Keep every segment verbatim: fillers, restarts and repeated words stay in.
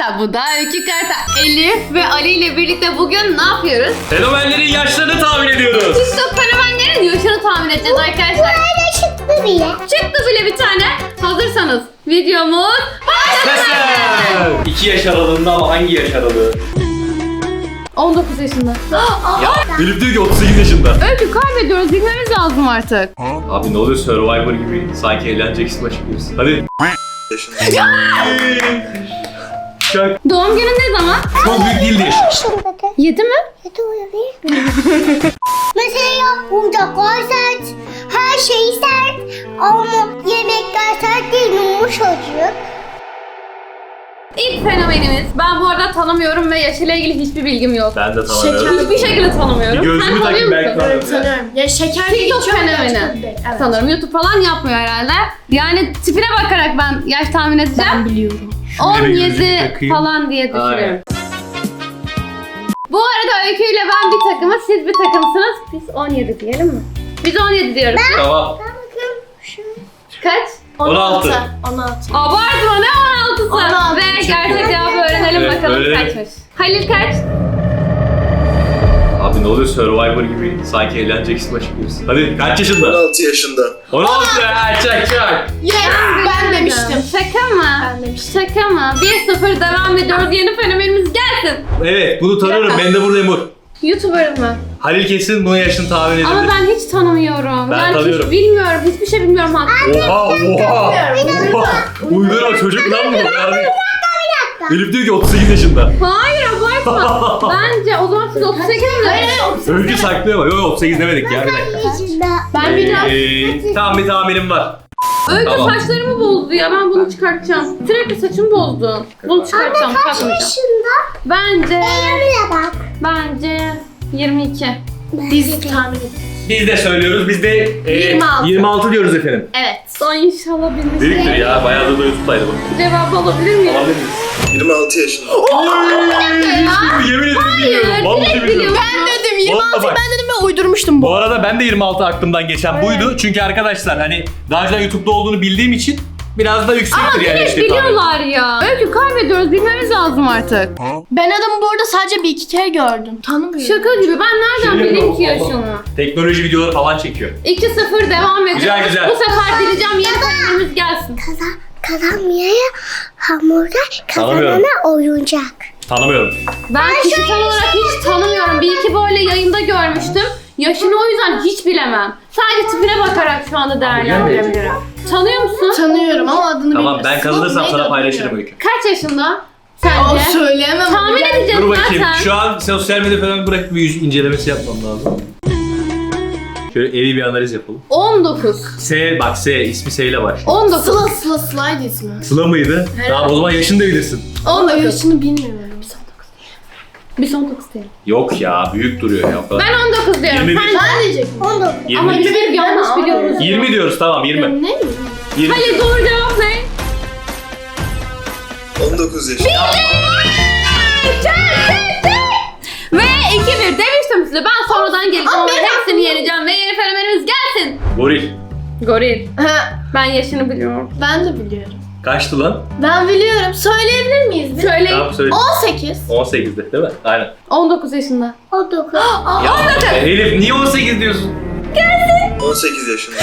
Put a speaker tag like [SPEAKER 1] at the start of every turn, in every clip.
[SPEAKER 1] Karta. Bu da Öykü Karta. Elif ve Ali ile birlikte bugün ne yapıyoruz?
[SPEAKER 2] Fenomenlerin yaşlarını tahmin ediyoruz.
[SPEAKER 1] TikTok fenomenlerin yaşını tahmin edeceğiz arkadaşlar.
[SPEAKER 3] Böyle çıktı bile.
[SPEAKER 1] Çıktı bile bir tane. Hazırsanız videomuz başlasın.
[SPEAKER 2] iki yaş aralığında ama hangi yaş aralığı?
[SPEAKER 1] on dokuz yaşında.
[SPEAKER 2] Ya Elif diyor ki otuz sekiz yaşında.
[SPEAKER 1] Öykü kaybediyoruz. Bilmemiz lazım artık.
[SPEAKER 2] Abi ne oluyor Survivor gibi sanki eğleneceksin başlıyorsun. Hadi. Şak.
[SPEAKER 1] Doğum günü ne zaman?
[SPEAKER 2] Çok büyük değildi yaş.
[SPEAKER 3] Şurada da.
[SPEAKER 1] yedi mi?
[SPEAKER 3] Yedi olabilir mi? Mesela oyuncaklar sert, her şey sert ama yemekler sert değil, yumuşacık.
[SPEAKER 1] İlk fenomenimiz. Ben bu arada tanımıyorum ve yaşıyla ilgili hiçbir bilgim yok.
[SPEAKER 2] Ben de tanımıyorum.
[SPEAKER 1] Hiçbir şekilde tanımıyorum.
[SPEAKER 2] Bir gözlüğümü
[SPEAKER 1] Sen
[SPEAKER 2] takayım,
[SPEAKER 1] tanıyor
[SPEAKER 2] belki
[SPEAKER 1] musun?
[SPEAKER 2] tanırım.
[SPEAKER 4] Tanıyorum. Ya şeker değil,
[SPEAKER 1] TikTok
[SPEAKER 4] çok
[SPEAKER 1] fenomeni.
[SPEAKER 4] gerçekten değil. Evet.
[SPEAKER 1] Sanırım YouTube falan yapmıyor herhalde. Yani tipine bakarak ben yaş tahmin edeceğim.
[SPEAKER 4] Ben biliyorum.
[SPEAKER 1] on
[SPEAKER 2] Şöyle gözlük
[SPEAKER 1] yedi
[SPEAKER 2] takayım.
[SPEAKER 1] falan diye düşünüyorum.
[SPEAKER 2] Aynen.
[SPEAKER 1] Bu arada Öykü ile ben bir takımız, siz bir takımsınız. Biz on yedi diyelim mi? Biz on yedi diyoruz.
[SPEAKER 2] Tamam.
[SPEAKER 3] Ben bakıyorum şu.
[SPEAKER 1] Kaç?
[SPEAKER 2] on altı.
[SPEAKER 4] on altı.
[SPEAKER 1] Abartma ne on altısı?
[SPEAKER 4] on altı.
[SPEAKER 1] Ve gerçek cevabı öğrenelim
[SPEAKER 2] Evet,
[SPEAKER 1] bakalım
[SPEAKER 2] öğrenelim.
[SPEAKER 1] kaçmış. Halil kaç?
[SPEAKER 2] Abi ne oluyor Survivor gibi sanki eğleneceksin başlıyorsun. Hadi kaç yaşında?
[SPEAKER 5] on altı yaşında.
[SPEAKER 2] on altı ya çak çak.
[SPEAKER 4] Yes, ben demiştim.
[SPEAKER 1] Şaka mı?
[SPEAKER 4] Ben demiştim.
[SPEAKER 1] Şaka mı? bir sıfır devam ediyoruz. Yeni fenomenimiz gelsin.
[SPEAKER 2] Evet bunu tanıyorum. Ben de burada Emur.
[SPEAKER 1] YouTuber mı?
[SPEAKER 2] Halil kesin bunun yaşını tahmin edebilir.
[SPEAKER 1] Ama ben hiç tanımıyorum.
[SPEAKER 2] Ben
[SPEAKER 1] yani
[SPEAKER 2] tanıyorum.
[SPEAKER 1] hiç bilmiyorum. Hiçbir şey bilmiyorum hatta.
[SPEAKER 2] Oha oha. Oha. Uydurma çocuk lan bu. Yani. Elif diyor ki otuz sekiz yaşında.
[SPEAKER 1] Hayır abartma. Bence o zaman siz otuz sekiz mi?
[SPEAKER 2] Öykü saklıyor ama. Yok yok otuz sekiz demedik ya bir dakika.
[SPEAKER 3] Yaşında.
[SPEAKER 4] Ben biliyorum.
[SPEAKER 2] Ee, tamam bir tahminim var.
[SPEAKER 1] Öykü
[SPEAKER 2] Tamam.
[SPEAKER 1] saçlarımı bozdu ya. Ben bunu çıkartacağım. Sürekli saçımı bozdu. Bunu çıkartacağım.
[SPEAKER 3] Kaç
[SPEAKER 1] Takmayacağım.
[SPEAKER 3] yaşında?
[SPEAKER 1] Bence,
[SPEAKER 3] Öyle bak.
[SPEAKER 1] bence yirmi iki.
[SPEAKER 4] Biz tahmin edin.
[SPEAKER 2] Biz de söylüyoruz. Biz de e,
[SPEAKER 1] yirmi altı.
[SPEAKER 2] yirmi altı diyoruz efendim.
[SPEAKER 1] Evet. Son inşallah bilmiş.
[SPEAKER 2] Dediktir ya. Bayağı da YouTube'daydı bu.
[SPEAKER 1] Cevabı alabilir miyim?
[SPEAKER 2] Alabilir miyiz?
[SPEAKER 5] yirmi altı yaşında.
[SPEAKER 2] Yemin ederim bilmiyorum. Vallahi
[SPEAKER 1] direkt
[SPEAKER 2] bilmiyorum.
[SPEAKER 1] biliyorum.
[SPEAKER 4] Ben dedim yirmi altı,
[SPEAKER 2] Vallahi bak.
[SPEAKER 4] ben dedim ve uydurmuştum bu.
[SPEAKER 2] Bu arada ben de yirmi altı aklımdan geçen buydu. Çünkü arkadaşlar hani daha önce YouTube'da olduğunu bildiğim için biraz da yüksektir
[SPEAKER 1] Ama
[SPEAKER 2] yani
[SPEAKER 1] direkt
[SPEAKER 2] işte.
[SPEAKER 1] biliyorlar ya. Öykü kaybediyoruz. Bilmemiz lazım artık.
[SPEAKER 4] Ben adamı bu arada sadece bir iki kere gördüm. Tanımıyorum.
[SPEAKER 1] Şaka gibi. Ben nereden
[SPEAKER 2] Şey
[SPEAKER 1] bileyim ki
[SPEAKER 2] yok.
[SPEAKER 1] yaşını?
[SPEAKER 2] Teknoloji videoları falan çekiyor.
[SPEAKER 1] iki sıfır devam ediyoruz.
[SPEAKER 2] Güzel, güzel.
[SPEAKER 1] Bu sefer dileyeceğim yeni fenomenimiz gelsin.
[SPEAKER 3] Kazan, kazanmayaya hamurlar,
[SPEAKER 2] Tanımıyorum.
[SPEAKER 3] kazanana oyuncak.
[SPEAKER 2] Tanımıyorum.
[SPEAKER 1] Ben kişisel olarak hiç tanımıyorum. Bir iki böyle yayında görmüştüm. Yaşını o yüzden hiç bilemem. Sadece tipine bakarak şu anda değerlendirebilirim. Tanıyor musun?
[SPEAKER 4] Tanıyorum ama adını
[SPEAKER 2] Tamam
[SPEAKER 4] bilmiyorum.
[SPEAKER 2] ben kazanırsam
[SPEAKER 4] Neydi
[SPEAKER 2] sana
[SPEAKER 4] adı
[SPEAKER 2] paylaşırım
[SPEAKER 4] bilmiyorum.
[SPEAKER 2] Öykü.
[SPEAKER 1] Kaç yaşında?
[SPEAKER 4] Aa,
[SPEAKER 1] Sence?
[SPEAKER 4] söyleyemem.
[SPEAKER 1] Tahmin
[SPEAKER 4] Yani.
[SPEAKER 1] edeceğiz
[SPEAKER 2] Dur bakayım.
[SPEAKER 1] zaten.
[SPEAKER 2] Şu an sosyal medya falan bırakıp bir yüz incelemesi yapmam lazım. Şöyle evi bir analiz yapalım.
[SPEAKER 1] on dokuz.
[SPEAKER 2] S bak S ismi S ile başlıyor.
[SPEAKER 1] on dokuz.
[SPEAKER 4] Sıla Sıla Slide ismi.
[SPEAKER 2] Sıla mıydı? Tamam o zaman yaşını da bilirsin.
[SPEAKER 1] on dokuz.
[SPEAKER 4] Yaşını bilmiyorum.
[SPEAKER 1] Biz on dokuz diyelim.
[SPEAKER 2] Yok ya büyük duruyor ya. O kadar.
[SPEAKER 1] Ben on dokuz diyorum.
[SPEAKER 2] yirmi bir.
[SPEAKER 1] Sen
[SPEAKER 4] Ben diyecektim.
[SPEAKER 3] on dokuz.
[SPEAKER 1] ama
[SPEAKER 2] yirmi.
[SPEAKER 1] yirmi bir yanlış
[SPEAKER 4] Ben
[SPEAKER 1] biliyoruz.
[SPEAKER 2] yirmi diyoruz tamam yirmi.
[SPEAKER 4] Ne mi?
[SPEAKER 2] yirmi.
[SPEAKER 1] Halil doğru cevap ne?
[SPEAKER 5] on dokuz yaşında.
[SPEAKER 1] Ve iki bir demiştim size. Ben sonradan geleceğim ama
[SPEAKER 4] ben
[SPEAKER 1] hepsini yeneceğim ve yeni fenomenimiz gelsin.
[SPEAKER 2] Goril.
[SPEAKER 1] Goril.
[SPEAKER 4] Ha,
[SPEAKER 1] Ben yaşını biliyorum.
[SPEAKER 4] ben de biliyorum.
[SPEAKER 2] Kaçtı lan?
[SPEAKER 4] Ben biliyorum. Söyleyebilir miyiz? bir?
[SPEAKER 1] Söyleyin.
[SPEAKER 2] Tamam söyle.
[SPEAKER 4] on sekiz.
[SPEAKER 2] on sekizde değil mi? Aynen.
[SPEAKER 1] on dokuz yaşında.
[SPEAKER 3] on dokuz.
[SPEAKER 2] Ya Elif niye on sekiz diyorsun?
[SPEAKER 5] on sekiz yaşında.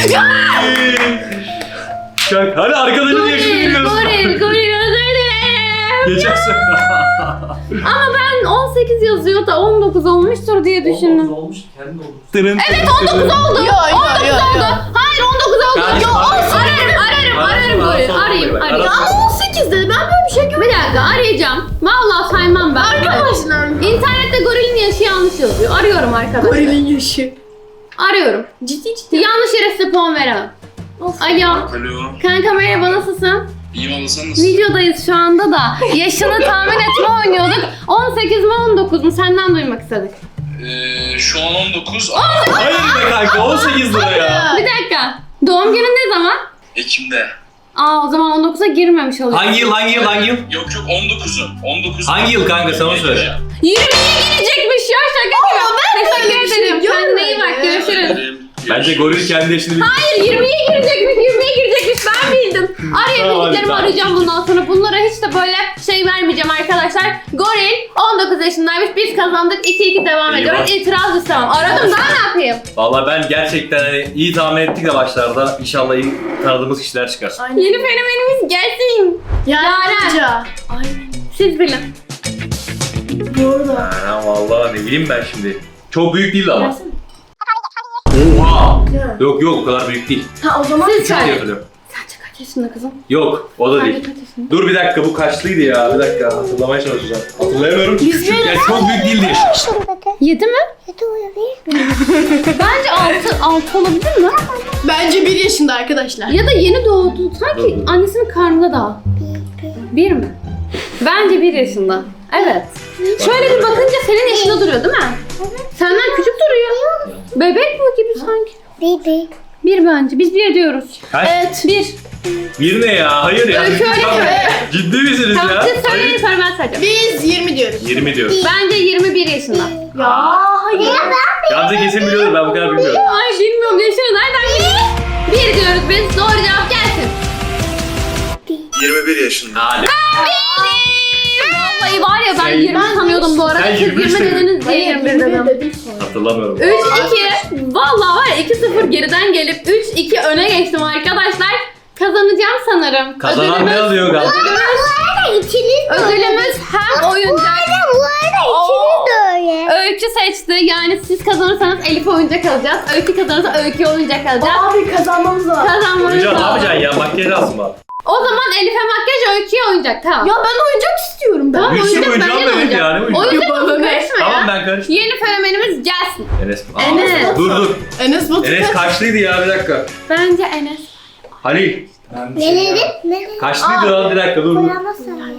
[SPEAKER 2] Şak. Hadi arkadaşın yaşını
[SPEAKER 1] Goril,
[SPEAKER 2] biliyorsun.
[SPEAKER 1] goril, goril özür dilerim.
[SPEAKER 2] Geçen sene.
[SPEAKER 1] Ama ben on sekiz yazıyor da on dokuz olmuştur diye düşündüm.
[SPEAKER 2] olmuş kendi oldu. Evet
[SPEAKER 1] on dokuz oldu.
[SPEAKER 4] Yo, yo,
[SPEAKER 1] on dokuz
[SPEAKER 4] yo,
[SPEAKER 1] oldu.
[SPEAKER 4] yo.
[SPEAKER 1] Hayır on dokuz oldu.
[SPEAKER 2] Kardeşim,
[SPEAKER 1] Yo,
[SPEAKER 2] arasın.
[SPEAKER 1] ararım, ararım, ararım
[SPEAKER 2] Arasın,
[SPEAKER 1] goril.
[SPEAKER 2] arasın,
[SPEAKER 1] Arayayım,
[SPEAKER 2] arasın.
[SPEAKER 1] arayayım.
[SPEAKER 2] Arasın.
[SPEAKER 4] Ama on sekiz dedi. Ben böyle bir şey görmedim.
[SPEAKER 1] Bir dakika arayacağım. Vallahi saymam ben.
[SPEAKER 4] Arkadaşlar.
[SPEAKER 1] İnternette gorilin yaşı yanlış yazıyor. Arıyorum arkadaşlar.
[SPEAKER 4] Gorilin yaşı.
[SPEAKER 1] Arıyorum.
[SPEAKER 4] Ciddi ciddi.
[SPEAKER 1] Yanlış yere size puan veremem.
[SPEAKER 4] Of.
[SPEAKER 1] Alo.
[SPEAKER 5] Alo.
[SPEAKER 1] Kanka merhaba nasılsın?
[SPEAKER 5] İyi valla sen nasılsın?
[SPEAKER 1] Videodayız şu anda da. Yaşını tahmin etme oynuyorduk. on sekiz mi on dokuz mu? Senden duymak istedik.
[SPEAKER 5] Ee, şu an on dokuz.
[SPEAKER 2] Hayır be kanka on sekiz lira ya.
[SPEAKER 1] Bir dakika. Doğum günün ne zaman?
[SPEAKER 5] Ekim'de.
[SPEAKER 1] Aa o zaman on dokuza girmemiş oluyor.
[SPEAKER 2] Hangi yıl hangi yıl hangi yıl?
[SPEAKER 5] Yok yok on dokuzu. on dokuz.
[SPEAKER 2] Hangi yıl kanka, sen onu söyle.
[SPEAKER 1] yirmiye girecekmiş ya şaka gibi. Teşekkür ederim. Kendine iyi bak görüşürüz.
[SPEAKER 2] Bence goril kendi yaşını bilir.
[SPEAKER 1] Hayır yirmiye girecekmiş yirmiye girecekmiş ben bildim. Arayabildiklerimi
[SPEAKER 2] Tamam,
[SPEAKER 1] arayacağım bundan sonra. Bunlara hiç de böyle şey vermeyeceğim arkadaşlar. arkadaşlar. Goril on dokuz yaşındaymış. Biz kazandık. iki iki devam
[SPEAKER 2] Eyvah.
[SPEAKER 1] ediyoruz. İtiraz istemem. Aradım daha ne yapayım?
[SPEAKER 2] Vallahi ben gerçekten hani iyi tahmin ettik de başlarda. İnşallah iyi tanıdığımız kişiler çıkar.
[SPEAKER 1] Yeni fenomenimiz gelsin.
[SPEAKER 4] Yaren
[SPEAKER 1] Yaren.
[SPEAKER 4] Hoca. Aynen.
[SPEAKER 1] Siz bilin.
[SPEAKER 4] Burada.
[SPEAKER 2] Ha, vallahi ne bileyim ben şimdi. Çok büyük değildi ama.
[SPEAKER 4] Versene.
[SPEAKER 2] Oha! Yok yok o kadar büyük değil.
[SPEAKER 4] Ha o zaman
[SPEAKER 1] Siz
[SPEAKER 2] Küçük diye
[SPEAKER 1] söyle.
[SPEAKER 2] hatırlıyorum.
[SPEAKER 1] Sence kaç yaşında kızım?
[SPEAKER 2] Yok o da
[SPEAKER 1] Sence
[SPEAKER 2] değil.
[SPEAKER 1] kaç yaşında?
[SPEAKER 2] Dur bir dakika bu kaçlıydı ya? Bir dakika hatırlamaya çalışacağım. Hatırlayamıyorum.
[SPEAKER 4] Yüz
[SPEAKER 2] Küçük.
[SPEAKER 4] bin-
[SPEAKER 2] Yani çok büyük değildi.
[SPEAKER 3] Yaşındadır.
[SPEAKER 1] Yedi mi?
[SPEAKER 3] Yedi olabilir.
[SPEAKER 1] Bence altı, altı olabilir mi?
[SPEAKER 4] bence bir yaşında arkadaşlar.
[SPEAKER 1] Ya da yeni doğdu. Sanki annesinin karnında daha. Bir mi? Bence bir yaşında. Evet. Şöyle bir bakınca senin yaşında duruyor değil mi? Senden küçük duruyor. Bebek bu gibi sanki.
[SPEAKER 3] Bibi.
[SPEAKER 1] Bir bence. Biz bir diyoruz.
[SPEAKER 2] Kaç?
[SPEAKER 1] Evet. Bir.
[SPEAKER 2] Bir ne ya? Hayır ya.
[SPEAKER 1] Öykü öyle
[SPEAKER 2] Tamam.
[SPEAKER 1] mi?
[SPEAKER 2] Ciddi misiniz
[SPEAKER 1] Tamam
[SPEAKER 2] ya?
[SPEAKER 1] siz söyleyin
[SPEAKER 2] Hayır.
[SPEAKER 1] sonra ben sayacağım.
[SPEAKER 4] Biz yirmi diyoruz.
[SPEAKER 2] yirmi diyor.
[SPEAKER 1] Bence yirmi bir yaşında.
[SPEAKER 4] Ya hayır.
[SPEAKER 2] Gamze kesin biliyordur ben bu kadar bilmiyorum.
[SPEAKER 1] Ay bilmiyorum yaşını nereden bileyim? Bir diyoruz biz. Doğru cevap gelsin.
[SPEAKER 5] yirmi bir yaşında.
[SPEAKER 2] Hadi.
[SPEAKER 1] Vallahi var ya ben
[SPEAKER 2] Sen-
[SPEAKER 1] yirmi sanıyordum bu arada.
[SPEAKER 2] Sen
[SPEAKER 1] Siz
[SPEAKER 2] yirmi üç
[SPEAKER 1] yirmi
[SPEAKER 2] dedin.
[SPEAKER 1] dediniz diye yirmi bir dedim.
[SPEAKER 4] dedim sonra.
[SPEAKER 2] Hatırlamıyorum.
[SPEAKER 1] üç iki. Vallahi var ya iki sıfır geriden gelip üç iki öne geçtim arkadaşlar. Kazanacağım sanırım.
[SPEAKER 2] Kazanan ne alıyor Gamze?
[SPEAKER 3] Bu arada ikiniz de öyle.
[SPEAKER 1] Ödülümüz hem oyuncak.
[SPEAKER 3] Bu arada ikiniz de öyle.
[SPEAKER 1] Öykü seçti. Yani siz kazanırsanız Elif oyuncak alacağız. Öykü kazanırsa Öykü oyuncak alacağız.
[SPEAKER 4] Abi kazanmamız lazım.
[SPEAKER 1] Kazanmanız
[SPEAKER 2] Hocam ne
[SPEAKER 1] lazım.
[SPEAKER 2] yapacaksın ya? Makyaj alsın bak.
[SPEAKER 1] O zaman Elif'e makyaj, Öykü'ye oyuncak. Tamam.
[SPEAKER 4] Ya ben oyuncak istiyorum. Ben
[SPEAKER 1] Tamam,
[SPEAKER 2] Bir sürü
[SPEAKER 1] oyuncak,
[SPEAKER 2] oyuncağım
[SPEAKER 1] bence de
[SPEAKER 2] da evet
[SPEAKER 1] oyuncak.
[SPEAKER 2] yani, oyuncak.
[SPEAKER 1] Oyuncak
[SPEAKER 4] Yapalım.
[SPEAKER 1] olsun, karışma ya.
[SPEAKER 2] Tamam ben karıştım.
[SPEAKER 1] Yeni fenomenimiz gelsin.
[SPEAKER 2] Enes. Aa,
[SPEAKER 1] Enes.
[SPEAKER 2] Dur dur.
[SPEAKER 4] Enes Batur.
[SPEAKER 2] Enes kaçlıydı ya bir dakika.
[SPEAKER 1] Bence Enes.
[SPEAKER 2] Halil.
[SPEAKER 3] Ne dedin? Ne dedin?
[SPEAKER 2] Kaçlıydı lan bir dakika dur dur.
[SPEAKER 3] Boyama sayı.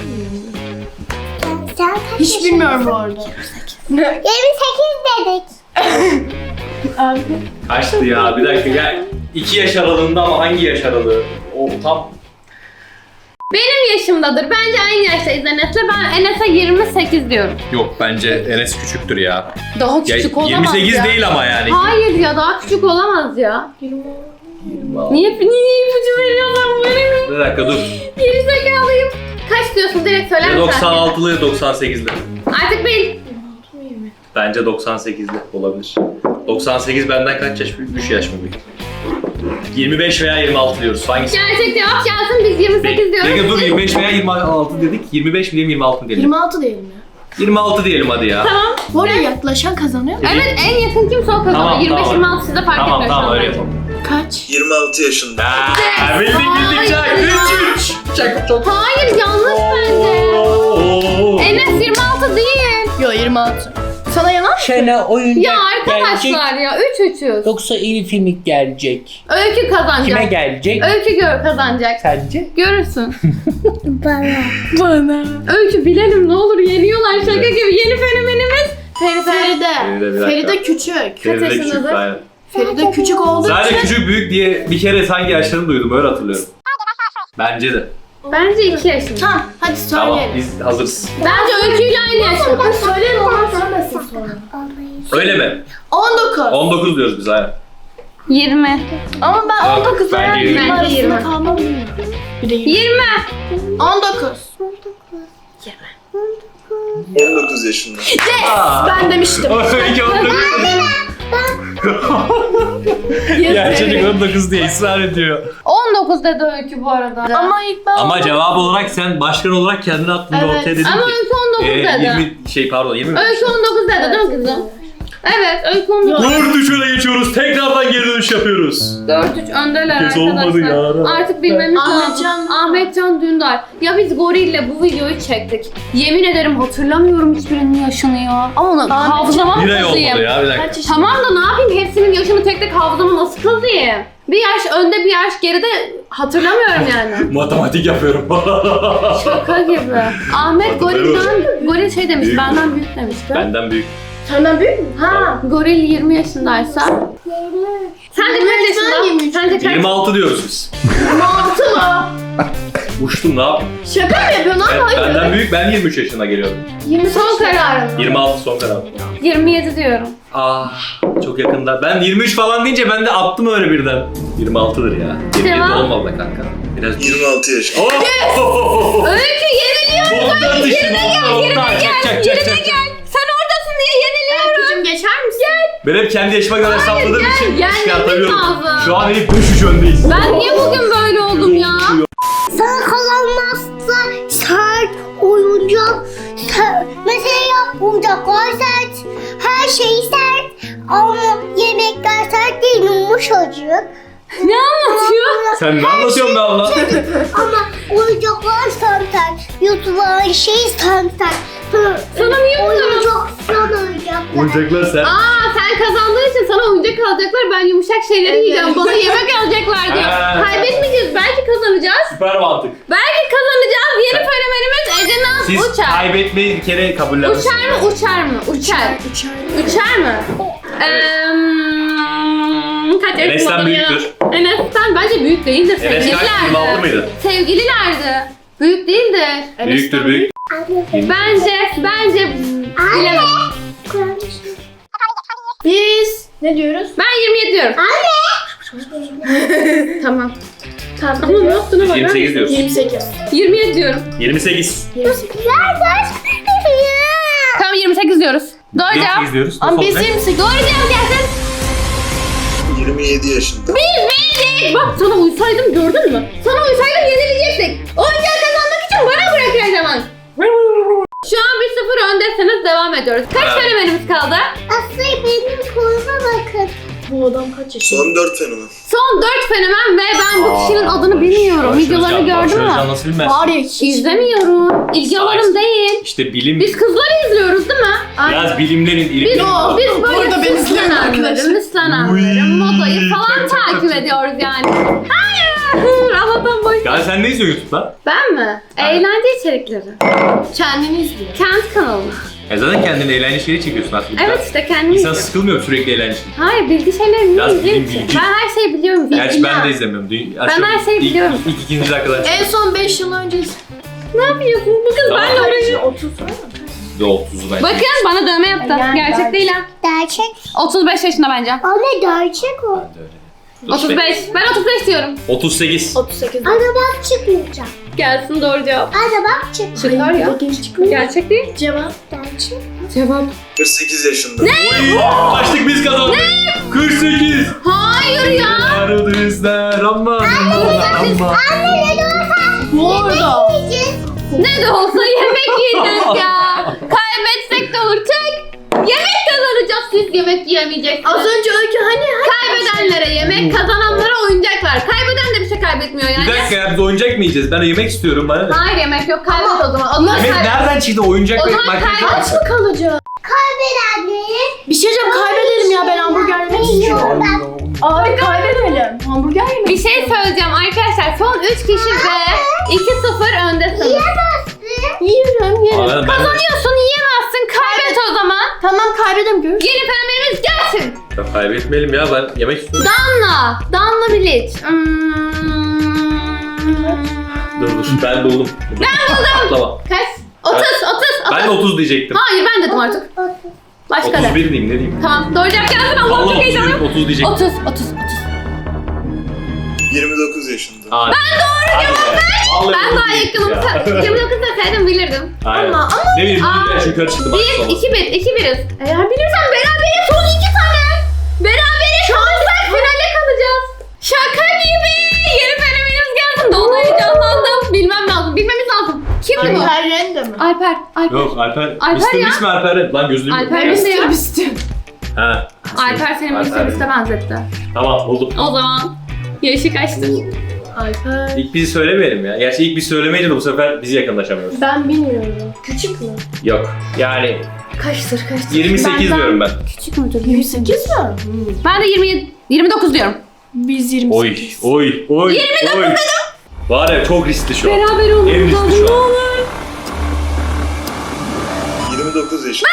[SPEAKER 3] Sen, sen kaç
[SPEAKER 4] Hiç
[SPEAKER 3] yaşındasın?
[SPEAKER 4] bilmiyorum bu arada.
[SPEAKER 3] yirmi sekiz dedik.
[SPEAKER 4] Abi.
[SPEAKER 2] Kaçtı ya bir dakika gel. iki yaş aralığında ama hangi yaş aralığı? O tam.
[SPEAKER 1] Benim yaşımdadır. Bence aynı yaştayız Enes'le. Ben Enes'e yirmi sekiz diyorum.
[SPEAKER 2] Yok bence Enes küçüktür ya.
[SPEAKER 1] Daha
[SPEAKER 2] Ya,
[SPEAKER 1] küçük olamaz
[SPEAKER 2] yirmi sekiz
[SPEAKER 1] ya.
[SPEAKER 2] değil ama yani.
[SPEAKER 1] Hayır ya daha küçük olamaz ya. Niye niye ipucu veriyorsun böyle?
[SPEAKER 2] Bir dakika dur.
[SPEAKER 1] Geri zekalıyım. Kaç diyorsun direkt söyler
[SPEAKER 2] Ya
[SPEAKER 1] misin?
[SPEAKER 2] doksan altılı ya doksan sekizli.
[SPEAKER 1] Artık bil.
[SPEAKER 2] Bence doksan sekizli olabilir. doksan sekiz benden kaç yaş büyük? üç yaş mı büyük? yirmi beş veya yirmi altı diyoruz. Hangisi?
[SPEAKER 1] Gerçek cevap gelsin biz yirmi sekiz diyoruz.
[SPEAKER 2] Peki dur yirmi beş veya yirmi altı dedik. yirmi beş mi diyelim yirmi altı mı diyelim?
[SPEAKER 4] yirmi altı diyelim ya.
[SPEAKER 2] yirmi altı diyelim hadi ya.
[SPEAKER 1] Tamam.
[SPEAKER 4] Bu arada yaklaşan kazanıyor mu?
[SPEAKER 1] Evet en yakın kimse o kazandı.
[SPEAKER 2] Tamam,
[SPEAKER 1] yirmi beş
[SPEAKER 2] tamam.
[SPEAKER 1] yirmi altı size fark
[SPEAKER 2] Tamam
[SPEAKER 1] etmiyor şu
[SPEAKER 2] tamam
[SPEAKER 1] an
[SPEAKER 2] öyle
[SPEAKER 1] bence.
[SPEAKER 2] yapalım.
[SPEAKER 4] Kaç?
[SPEAKER 5] yirmi altı yaşında.
[SPEAKER 2] Aa, bildik bildik çak.
[SPEAKER 1] Hayır.
[SPEAKER 2] üç üç. Çak çok.
[SPEAKER 1] Hayır yanlış bence.
[SPEAKER 2] Oo.
[SPEAKER 1] Enes yirmi altı değil.
[SPEAKER 4] Yo yirmi altı. Sana yalan mı?
[SPEAKER 6] Şena oyuncak
[SPEAKER 1] Ya
[SPEAKER 6] gelecek.
[SPEAKER 1] arkadaşlar ya üç üçüz.
[SPEAKER 6] Yoksa Elif'e mi gelecek?
[SPEAKER 1] Öykü kazanacak.
[SPEAKER 6] Kime gelecek?
[SPEAKER 1] Öykü gör kazanacak.
[SPEAKER 6] Sence?
[SPEAKER 1] Görürsün.
[SPEAKER 3] Bana.
[SPEAKER 4] Bana.
[SPEAKER 1] Öykü bilelim ne olur yeniyorlar şaka
[SPEAKER 2] Evet.
[SPEAKER 1] gibi. Yeni fenomenimiz Feride.
[SPEAKER 4] Feride.
[SPEAKER 2] Feride, bir dakika.
[SPEAKER 4] Feride küçük.
[SPEAKER 2] Feride de küçük,
[SPEAKER 1] yaşındadır?
[SPEAKER 2] aynen.
[SPEAKER 4] Feride küçük olduğu
[SPEAKER 2] Sadece
[SPEAKER 4] için.
[SPEAKER 2] küçük büyük diye bir kere hangi yaşlarını duydum öyle hatırlıyorum. Bence de.
[SPEAKER 1] Bence iki yaşında.
[SPEAKER 4] Tamam hadi
[SPEAKER 2] Tamam
[SPEAKER 4] söyleyelim.
[SPEAKER 2] biz hazırız.
[SPEAKER 1] Bence Öykü'yle aynı yaşında.
[SPEAKER 4] Hadi söyleyelim ondan söylemesin sonra.
[SPEAKER 2] Öyle mi?
[SPEAKER 4] on dokuz.
[SPEAKER 2] on dokuz diyoruz biz aynen.
[SPEAKER 1] yirmi.
[SPEAKER 4] Ama ben
[SPEAKER 2] Yok,
[SPEAKER 4] on dokuz
[SPEAKER 2] bence
[SPEAKER 4] veya
[SPEAKER 2] yirmi.
[SPEAKER 4] yirmi
[SPEAKER 1] Bence
[SPEAKER 4] arasında
[SPEAKER 1] yirmi.
[SPEAKER 4] kalmam bilmiyorum. Bir de yirmi.
[SPEAKER 1] yirmi.
[SPEAKER 4] on dokuz.
[SPEAKER 5] on dokuz yaşında.
[SPEAKER 2] Aa.
[SPEAKER 4] Ben demiştim.
[SPEAKER 2] Öykü on dokuz. Ya çocuk on dokuz diye ısrar ediyor.
[SPEAKER 1] on dokuz dedi Öykü bu arada.
[SPEAKER 4] Ama ilk ben
[SPEAKER 2] Ama cevap olarak sen başkan olarak kendini attın ve
[SPEAKER 4] Evet.
[SPEAKER 2] ortaya dedin
[SPEAKER 1] Ama
[SPEAKER 2] ki.
[SPEAKER 1] Öykü on dokuz
[SPEAKER 2] e,
[SPEAKER 1] dedi.
[SPEAKER 2] yirmi şey pardon yirmi mi?
[SPEAKER 1] Öykü on dokuz dedi değil mi kızım? Evet Öykü on dokuz.
[SPEAKER 2] dört üç öne geçiyoruz. Tekrardan geri dönüş yapıyoruz.
[SPEAKER 1] dört üç öndeler
[SPEAKER 2] Kes olmadı
[SPEAKER 1] arkadaşlar.
[SPEAKER 2] ya.
[SPEAKER 1] Artık bilmemiz
[SPEAKER 4] Ahmetcan
[SPEAKER 1] lazım. Ahmetcan Dündar. Ya biz Goril'le bu videoyu çektik. Yemin ederim hatırlamıyorum hiçbirinin yaşını ya. Ama hafızama mı
[SPEAKER 2] Bir ay olmadı
[SPEAKER 1] kazıyım?
[SPEAKER 2] ya bir dakika.
[SPEAKER 4] kaç yaşında?
[SPEAKER 1] Tamam da ne yapayım hepsinin yaşını tek tek hafızama nasıl kazıyım? Bir yaş önde bir yaş geride hatırlamıyorum yani.
[SPEAKER 2] Matematik yapıyorum.
[SPEAKER 1] Şaka gibi. Ahmet Goril'den, Goril şey demiş
[SPEAKER 2] Büyük.
[SPEAKER 1] benden büyük demişti.
[SPEAKER 2] Benden büyük.
[SPEAKER 4] Senden büyük mü? Ha.
[SPEAKER 1] Goril yirmi yaşındaysa. Sen de kaç yaşında?
[SPEAKER 4] yirmi üç.
[SPEAKER 1] Sen de kaç?
[SPEAKER 2] yirmi altı diyoruz biz.
[SPEAKER 4] yirmi altı mı?
[SPEAKER 2] Uçtum ne yapayım?
[SPEAKER 4] Şaka mı yapıyorsun lan?
[SPEAKER 2] Ben,
[SPEAKER 4] Hayır.
[SPEAKER 2] benden büyük ben yirmi üç yaşına geliyorum.
[SPEAKER 4] yirmi
[SPEAKER 1] Son kararım.
[SPEAKER 2] yirmi altı son karar.
[SPEAKER 1] yirmi yedi diyorum.
[SPEAKER 2] Ah çok yakında. Ben yirmi üç falan deyince ben de attım öyle birden. yirmi altıdır ya. yirmi yedi
[SPEAKER 1] Devam.
[SPEAKER 2] olmalı be kanka. Biraz
[SPEAKER 5] yirmi altı yaşında.
[SPEAKER 2] Oh!
[SPEAKER 1] Öykü yeniliyor.
[SPEAKER 2] Botlar dışında Ben hep kendi yaşıma kadar hesapladığım
[SPEAKER 1] gel,
[SPEAKER 2] için
[SPEAKER 1] gelmemiz
[SPEAKER 2] çıkartamıyorum.
[SPEAKER 1] lazım.
[SPEAKER 2] Şu an hep beş üç öndeyiz.
[SPEAKER 1] Ben niye bugün böyle oldum ya?
[SPEAKER 3] Sana kalanmazsa sert oyuncak. Sert. Mesela oyuncaklar sert. Her şey sert. Ama yemekler sert değil, yumuşacık.
[SPEAKER 1] Ne anlatıyor?
[SPEAKER 2] Sen ne anlatıyorsun be abla?
[SPEAKER 3] Ama oyuncaklar sert. Yutulan şey sert.
[SPEAKER 1] Sana mı yumuyorum?
[SPEAKER 3] Oyuncak sana oyuncaklar.
[SPEAKER 2] Oyuncaklar sen.
[SPEAKER 1] Aa sen kazandığın için sana oyuncak alacaklar. Ben yumuşak şeyleri yiyeceğim. Bana yemek alacaklar diyor.
[SPEAKER 2] Ha.
[SPEAKER 1] Kaybetmeyeceğiz. Belki kazanacağız.
[SPEAKER 2] Süper mantık.
[SPEAKER 1] Belki kazanacağız. Yeni fenomenimiz Ece Naz
[SPEAKER 2] Siz
[SPEAKER 1] uçar.
[SPEAKER 2] kaybetmeyi bir kere kabullenmişsiniz.
[SPEAKER 1] Uçar mı? Uçar mı? Uçar.
[SPEAKER 4] Uçar.
[SPEAKER 1] Uçar mı? Eee... Kaç yaşında
[SPEAKER 2] Enes'ten
[SPEAKER 1] oluyor?
[SPEAKER 2] büyüktür.
[SPEAKER 1] Enes'ten bence büyük değildir.
[SPEAKER 2] Enes kaç? yirmi altı
[SPEAKER 1] Sevgililerdi.
[SPEAKER 2] mıydı?
[SPEAKER 1] Sevgililerdi. Büyük değildir.
[SPEAKER 2] Büyüktür büyük.
[SPEAKER 1] Bence, bence bilemem.
[SPEAKER 4] Biz ne diyoruz?
[SPEAKER 1] Ben yirmi yedi diyorum. Tamam.
[SPEAKER 4] Tamam.
[SPEAKER 1] Ama ne yaptığına bakar
[SPEAKER 2] yirmi sekiz
[SPEAKER 1] mısın?
[SPEAKER 2] diyoruz.
[SPEAKER 4] yirmi sekiz.
[SPEAKER 1] yirmi yedi diyorum.
[SPEAKER 2] yirmi sekiz.
[SPEAKER 4] yirmi sekiz.
[SPEAKER 1] Tamam yirmi sekiz diyoruz. Doğru
[SPEAKER 2] yirmi
[SPEAKER 1] cevap.
[SPEAKER 2] sekiz diyoruz.
[SPEAKER 4] Ama biz
[SPEAKER 2] Son ne?
[SPEAKER 4] yirmi sekiz.
[SPEAKER 1] Doğru cevap gelsin.
[SPEAKER 5] yirmi yedi yaşında.
[SPEAKER 1] Biz bildik. Bak sana uysaydım gördün mü? Sana uysaydım yenilecektik. Oyuncağı kazanmak için bana bırak her zaman. Şu an bir sıfır öndesiniz, devam ediyoruz. Kaç
[SPEAKER 2] Evet.
[SPEAKER 1] fenomenimiz kaldı?
[SPEAKER 3] Aslı benim koluma bakın.
[SPEAKER 4] Bu adam kaç yaşında?
[SPEAKER 5] Son dört fenomen.
[SPEAKER 1] Son dört fenomen ve ben bu
[SPEAKER 2] Aa,
[SPEAKER 1] kişinin adını bilmiyorum.
[SPEAKER 2] Barış
[SPEAKER 1] Videolarını
[SPEAKER 2] Özcan, Barış
[SPEAKER 1] gördün
[SPEAKER 2] Özcan
[SPEAKER 1] mü?
[SPEAKER 2] nasıl bilmez?
[SPEAKER 4] Var ya hiç.
[SPEAKER 1] İzlemiyorum. İlgi alanım değil.
[SPEAKER 2] İşte bilim,
[SPEAKER 1] Biz kızları izliyoruz değil mi?
[SPEAKER 2] biraz bilimlerin,
[SPEAKER 1] Biz,
[SPEAKER 2] ilimlerin
[SPEAKER 1] o, biz böyle
[SPEAKER 4] Orada ben izliyorum
[SPEAKER 1] süslenenleri,
[SPEAKER 4] arkadaşlar.
[SPEAKER 1] müslenenleri,
[SPEAKER 2] Uy,
[SPEAKER 1] modayı falan
[SPEAKER 2] çok, çok,
[SPEAKER 1] takip
[SPEAKER 2] çok, çok.
[SPEAKER 1] ediyoruz yani. Hayır. Allah'tan boş.
[SPEAKER 2] Ya sen ne izliyorsun YouTube'da?
[SPEAKER 1] Ben mi? Eğlence içerikleri.
[SPEAKER 4] Kendini izliyor.
[SPEAKER 1] Kendi kanalım.
[SPEAKER 2] Ya zaten kendine eğlence şeyleri çekiyorsun aslında.
[SPEAKER 1] Evet işte kendim
[SPEAKER 2] İnsan
[SPEAKER 1] izliyorum.
[SPEAKER 2] sıkılmıyor mu sürekli eğlence?
[SPEAKER 1] Hayır bilgi şeyleri niye
[SPEAKER 2] Biraz
[SPEAKER 1] izleyeyim
[SPEAKER 2] bilim,
[SPEAKER 1] ki?
[SPEAKER 2] bilgi.
[SPEAKER 1] Ben her şeyi biliyorum.
[SPEAKER 2] Gerçi ben
[SPEAKER 1] Bilmem.
[SPEAKER 2] de izlemiyorum. Dü-
[SPEAKER 1] Ben her şeyi
[SPEAKER 2] ilk-
[SPEAKER 1] biliyorum.
[SPEAKER 2] İlk, ikinci dakikadan
[SPEAKER 4] En son beş yıl önce
[SPEAKER 1] Ne yapıyorsun? Bu kız
[SPEAKER 2] Tamam.
[SPEAKER 1] benle uğraşıyor.
[SPEAKER 4] otuz var mı?
[SPEAKER 2] çıktı otuzu bence.
[SPEAKER 1] Bakın bana dövme yaptı.
[SPEAKER 4] Yani
[SPEAKER 1] Gerçek
[SPEAKER 4] gerçek.
[SPEAKER 1] değil ha.
[SPEAKER 3] Gerçek.
[SPEAKER 1] otuz beş yaşında bence.
[SPEAKER 3] Anne gerçek o.
[SPEAKER 2] Ben de öyle. Dur,
[SPEAKER 1] otuz beş. Ben otuz beş diyorum.
[SPEAKER 2] otuz sekiz.
[SPEAKER 4] otuz sekiz.
[SPEAKER 3] Anne bak çıkmayacak.
[SPEAKER 1] Gelsin doğru cevap.
[SPEAKER 3] Anne bak çık.
[SPEAKER 1] Çıkar ya.
[SPEAKER 4] Genç çıkıyor.
[SPEAKER 1] Gerçek değil.
[SPEAKER 4] Cevap.
[SPEAKER 3] Gerçek.
[SPEAKER 1] Cevap.
[SPEAKER 5] kırk sekiz yaşında.
[SPEAKER 2] Oy! Kaçtık biz kazandık. kırk sekiz.
[SPEAKER 1] Hayır ya.
[SPEAKER 2] Arıdızlar ama ama.
[SPEAKER 3] Anne ne de olsa
[SPEAKER 4] Bu arada.
[SPEAKER 3] yiyeceğiz.
[SPEAKER 1] Ne de olsa yemek yiyeceğiz ya. Kaybetsek de olur. Tek yemek kazanacağız. Siz yemek yiyemeyeceksiniz.
[SPEAKER 4] Az önce Öykü hani
[SPEAKER 1] Kaybedenlere yemek, kazananlara oyuncaklar. Kaybeden de bir şey kaybetmiyor yani.
[SPEAKER 2] Bir dakika ya biz oyuncak mı yiyeceğiz? Ben yemek istiyorum bana ne?
[SPEAKER 1] Hayır yemek yok. Kaybet o zaman. O zaman
[SPEAKER 2] Yemek
[SPEAKER 1] kaybet.
[SPEAKER 2] nereden çıktı oyuncak
[SPEAKER 1] O
[SPEAKER 2] ve
[SPEAKER 1] zaman
[SPEAKER 2] makyaj
[SPEAKER 1] kaybet.
[SPEAKER 2] yapsa?
[SPEAKER 4] mı kalacak?
[SPEAKER 3] Kaybedenleri
[SPEAKER 4] Bir şey diyeceğim, kaybedelim ya, ben hamburger yemek istiyorum. Abi kaybedelim. Hamburger yemek
[SPEAKER 1] Bir şey söyleyeceğim arkadaşlar. Son üç kişi ve iki sıfır öndesiniz.
[SPEAKER 4] Yiyorum, yerim.
[SPEAKER 2] Aa, ben-
[SPEAKER 1] Kazanıyorsun, yiyemezsin. Kaybet o zaman.
[SPEAKER 4] Tamam kaybedelim, görüş.
[SPEAKER 1] Yeni fenomenimiz gelsin.
[SPEAKER 2] Ya kaybetmeyelim ya ben yemek istiyorum.
[SPEAKER 1] Danla. Danla Bilic. Hmm.
[SPEAKER 2] Dur dur ben buldum. Ben buldum. Atlama.
[SPEAKER 1] Kaç? otuz, otuz, otuz.
[SPEAKER 2] Ben de otuz diyecektim.
[SPEAKER 1] Hayır ben dedim artık. Başka
[SPEAKER 2] otuz
[SPEAKER 1] de.
[SPEAKER 2] bir diyeyim ne diyeyim?
[SPEAKER 1] Tamam doğru cevap gelsin. Allah'ım
[SPEAKER 2] Vallahi
[SPEAKER 1] çok heyecanlıyım.
[SPEAKER 2] otuz, otuz diyecektim.
[SPEAKER 1] otuz, otuz, otuz.
[SPEAKER 5] yirmi dokuz yaşında.
[SPEAKER 2] Aa, ben doğru cevap
[SPEAKER 1] Ben daha yakınım. yirmi dokuz deseydim bilirdim.
[SPEAKER 2] Aynen.
[SPEAKER 4] Ama- ama-
[SPEAKER 2] Ne bileyim
[SPEAKER 1] Aa,
[SPEAKER 2] bir yukarı çıktı bak.
[SPEAKER 1] Bir,
[SPEAKER 2] sonra.
[SPEAKER 1] iki, bir, iki biriz. Eğer bilirsen berabere son iki tane. Berabere kalırsak finale kalacağız. Şaka gibi. Yeni fenomenimiz gelsin. De ona heyecanlandım. Bilmem lazım. Bilmemiz lazım. Kimdi bu?
[SPEAKER 4] Alper Rende mi?
[SPEAKER 1] Alper. Alper.
[SPEAKER 2] Yok Alper.
[SPEAKER 1] Alper
[SPEAKER 2] mister
[SPEAKER 1] ya.
[SPEAKER 2] Beast mi Alper? Lan gözlüğüm yok.
[SPEAKER 1] Alper Beast ya.
[SPEAKER 4] Bisti.
[SPEAKER 2] Ha.
[SPEAKER 1] Alper senin
[SPEAKER 2] Alper.
[SPEAKER 1] mister Beast'e benzetti.
[SPEAKER 2] Tamam buldum.
[SPEAKER 1] O zaman yaşı kaçtır?
[SPEAKER 4] Alper.
[SPEAKER 2] İlk bizi söylemeyelim ya. Gerçi ilk biz söylemeyince de bu sefer bizi yakınlaşamıyoruz.
[SPEAKER 4] Ben bilmiyorum. Küçük mü?
[SPEAKER 2] Yok. Yani
[SPEAKER 1] Kaçtır kaçtır?
[SPEAKER 2] yirmi sekiz
[SPEAKER 1] Benden
[SPEAKER 2] diyorum ben.
[SPEAKER 1] Küçük müdür?
[SPEAKER 4] yirmi sekiz mi?
[SPEAKER 1] Ben de yirmi yedi, yirmi dokuz diyorum.
[SPEAKER 4] Biz yirmi
[SPEAKER 2] Oy,
[SPEAKER 4] sekiz.
[SPEAKER 2] oy, oy, oy. Var ya çok riskli şu an.
[SPEAKER 1] Beraber olmamız
[SPEAKER 2] En riskli
[SPEAKER 1] lazım.
[SPEAKER 2] şu
[SPEAKER 1] Ne
[SPEAKER 2] an.
[SPEAKER 1] olur.
[SPEAKER 5] yirmi dokuz yaşında.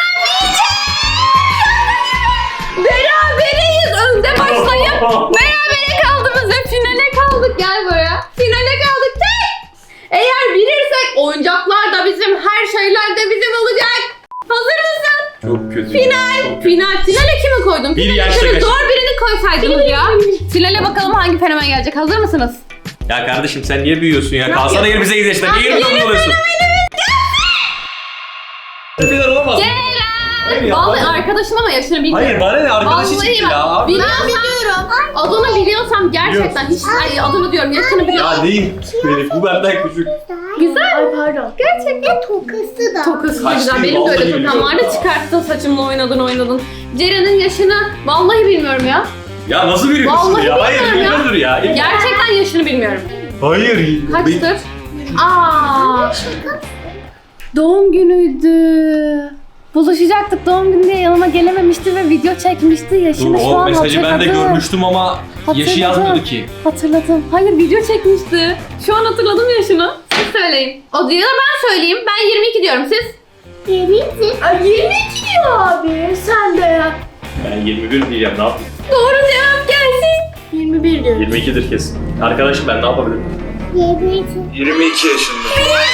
[SPEAKER 1] Beraberiz önde başlayıp berabere kaldığımız ve finale kaldık. Gel buraya. Finale kaldık. Tek. Eğer bilirsek oyuncaklar da bizim, her şeyler de bizim olacak. Hazır mısın?
[SPEAKER 2] Çok kötü.
[SPEAKER 1] Final.
[SPEAKER 2] Çok kötü.
[SPEAKER 1] Final. Finale kimi koydun?
[SPEAKER 2] Bir
[SPEAKER 1] Finale
[SPEAKER 2] yaşta
[SPEAKER 1] şöyle
[SPEAKER 2] kaç-
[SPEAKER 1] zor birini koysaydınız ya. Finale bakalım hangi fenomen gelecek. Hazır mısınız?
[SPEAKER 2] Ya kardeşim sen niye büyüyorsun ya? Kalsana yirmi sekiz yaşında. Niye yirmi dokuz oluyorsun? Final olamaz.
[SPEAKER 1] Ceren. Senin
[SPEAKER 2] ya?
[SPEAKER 1] vallahi
[SPEAKER 2] Bana-
[SPEAKER 1] arkadaşın ama yaşını bilmiyorum.
[SPEAKER 2] Hayır bana ne arkadaşı
[SPEAKER 1] Vallahi
[SPEAKER 2] çıktı
[SPEAKER 1] bak,
[SPEAKER 2] ya. Abi.
[SPEAKER 1] biliyorsam- Adını biliyorsam gerçekten hiç ay, adını diyorum yaşını biliyorum.
[SPEAKER 2] Ya değil benim. Bu benden küçük.
[SPEAKER 1] Güzel.
[SPEAKER 4] Ay pardon.
[SPEAKER 3] Gerçekten tokası da.
[SPEAKER 1] Tokası da
[SPEAKER 2] Kaç
[SPEAKER 1] güzel.
[SPEAKER 2] değil,
[SPEAKER 1] Benim de öyle
[SPEAKER 2] vallahi
[SPEAKER 1] tokam vardı.
[SPEAKER 2] bilmiyorum.
[SPEAKER 1] Çıkarttın saçımla oynadın oynadın. Ceren'in yaşını vallahi bilmiyorum ya.
[SPEAKER 2] Ya nasıl biliyorsun
[SPEAKER 1] Vallahi
[SPEAKER 2] ya? Hayır
[SPEAKER 1] bilmiyorum ya.
[SPEAKER 2] bilmiyordur ya.
[SPEAKER 1] Gerçekten yaşını bilmiyorum.
[SPEAKER 2] Hayır.
[SPEAKER 1] Kaçtır? Aa, doğum günüydü. Buluşacaktık doğum günü diye yanıma gelememişti ve video çekmişti.
[SPEAKER 2] Dur
[SPEAKER 1] Yaşını şu
[SPEAKER 2] o
[SPEAKER 1] an
[SPEAKER 2] mesajı ben de
[SPEAKER 1] hatırladım.
[SPEAKER 2] görmüştüm ama yaşı
[SPEAKER 1] Hatırladım.
[SPEAKER 2] yazmadı ki.
[SPEAKER 1] Hatırladım. Hayır video çekmişti. Şu an hatırladım yaşını. Siz söyleyin. O diyor ben söyleyeyim. Ben yirmi iki diyorum siz.
[SPEAKER 3] Yemekti.
[SPEAKER 4] Ay yirmi iki diyor abi. Sen de.
[SPEAKER 2] Ben yirmi bir diyeceğim ne yapayım?
[SPEAKER 1] Doğru cevap gelsin.
[SPEAKER 4] yirmi bir diyor.
[SPEAKER 2] yirmi ikidir kesin. Arkadaşım ben ne yapabilirim?
[SPEAKER 3] Yemekti.
[SPEAKER 5] yirmi iki yaşında.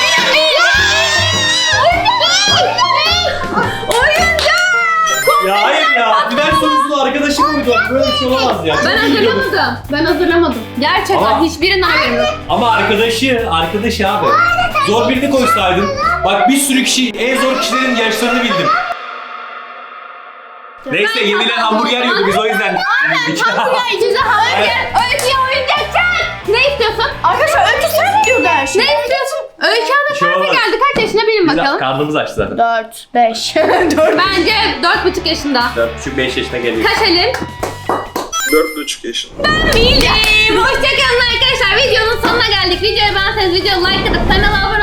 [SPEAKER 2] Ya hayır ya. Final sorusunu arkadaşım koydu. Böyle bir şey olamaz ya.
[SPEAKER 1] Ben
[SPEAKER 2] Çok iyi biliyordum.
[SPEAKER 1] hazırlamadım. Ben hazırlamadım. Gerçekten
[SPEAKER 2] Ama-
[SPEAKER 1] hiçbirinden haberim yok.
[SPEAKER 2] Ama arkadaşı, arkadaşı abi. Zor birini koysaydın. Bak bir sürü kişi, en zor kişilerin yaşlarını bildim. Neyse yenilen hamburger yiyorduk biz o yüzden.
[SPEAKER 1] Size hamburger, öyküye oyuncak çak. Ne istiyorsun?
[SPEAKER 4] Arkadaşlar öykü sen diyor her şey.
[SPEAKER 1] Ne istiyorsun? Öykü
[SPEAKER 2] Bir
[SPEAKER 1] Hanım
[SPEAKER 2] şey
[SPEAKER 1] kaça
[SPEAKER 2] olmaz.
[SPEAKER 1] geldi? Kaç yaşına bilin
[SPEAKER 2] Biz
[SPEAKER 1] bakalım.
[SPEAKER 2] karnımız açtı zaten.
[SPEAKER 4] dört, beş. dört.
[SPEAKER 1] Bence dört buçuk yaşında.
[SPEAKER 2] dört buçuk beş yaşına geliyor.
[SPEAKER 1] Kaç Elin?
[SPEAKER 5] dört buçuk yaşında.
[SPEAKER 1] Bildim. Hoşçakalın arkadaşlar. Videonun sonuna geldik. Videoyu beğenseniz videoyu like atıp kanala abone